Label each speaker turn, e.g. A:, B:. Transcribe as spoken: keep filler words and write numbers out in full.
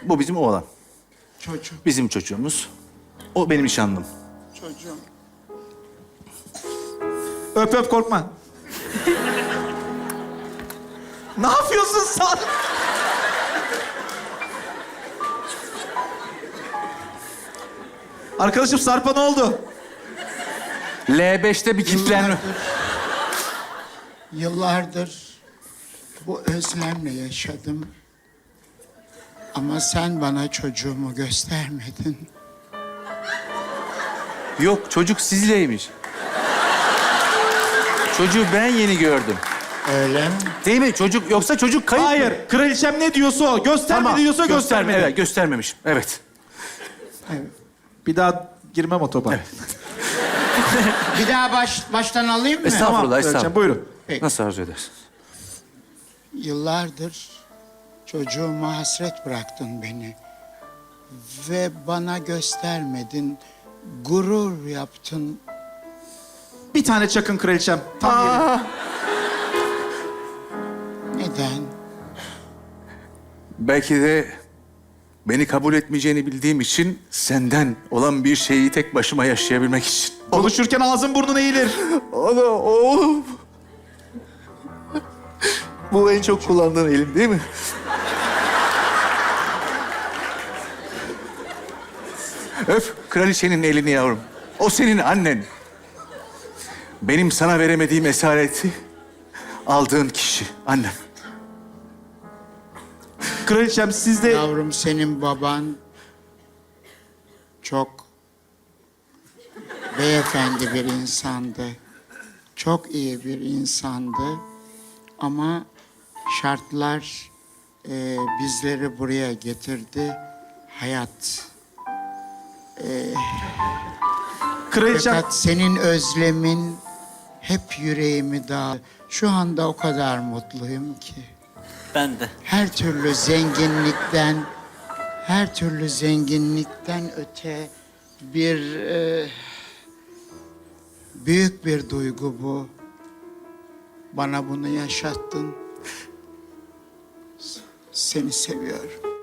A: Bu bizim oğlan.
B: Çocuğum,
A: Bizim çocuğumuz. O benim nişanlım.
B: çocuğum.
C: Öp öp korkma. Ne yapıyorsun sen? Arkadaşım Sarp'a ne oldu?
A: L beşte bir kilitlenme.
B: Yıllardır bu özlemle yaşadım. Ama sen bana çocuğumu göstermedin.
A: Yok, çocuk sizleymiş. Çocuğu ben yeni gördüm.
B: Öyle mi?
A: Değil mi? Çocuk yoksa çocuk kayıp mı?
C: Hayır, kraliçem ne diyorsa o. Göstermedi diyorsa
A: gösterme-
C: göstermedi.
A: Evet, göstermemişim. Evet.
B: Evet.
C: Bir daha girmem o topa.
B: Bir daha baş, baştan alayım mı?
A: Estağfurullah,
C: Tamam,
A: estağfurullah.
C: kraliçem buyurun.
B: Peki.
A: Nasıl arzu edersin?
B: Yıllardır çocuğuma hasret bıraktın beni. Ve bana göstermedin. Gurur yaptın.
C: Bir tane çakın kraliçem. Tam yeri.
B: Neden?
A: Belki de beni kabul etmeyeceğini bildiğim için senden olan bir şeyi tek başıma yaşayabilmek için.
C: Konuşurken ağzın burnun eğilir.
A: Ana oğlum. Bu en çok kullandığın elim değil mi? Öp kraliçenin elini yavrum. O senin annen. Benim sana veremediğim esareti aldığın kişi annem.
C: Kraliçem siz de...
B: Yavrum senin baban çok beyefendi bir insandı. Çok iyi bir insandı. Ama şartlar e, bizleri buraya getirdi. Hayat.
C: Kraliçem...
B: Fakat senin özlemin hep yüreğimi dağ. Şu anda o kadar mutluyum ki.
D: Ben de.
B: Her türlü zenginlikten, her türlü zenginlikten öte bir e, büyük bir duygu bu. Bana bunu yaşattın. S- Seni seviyorum.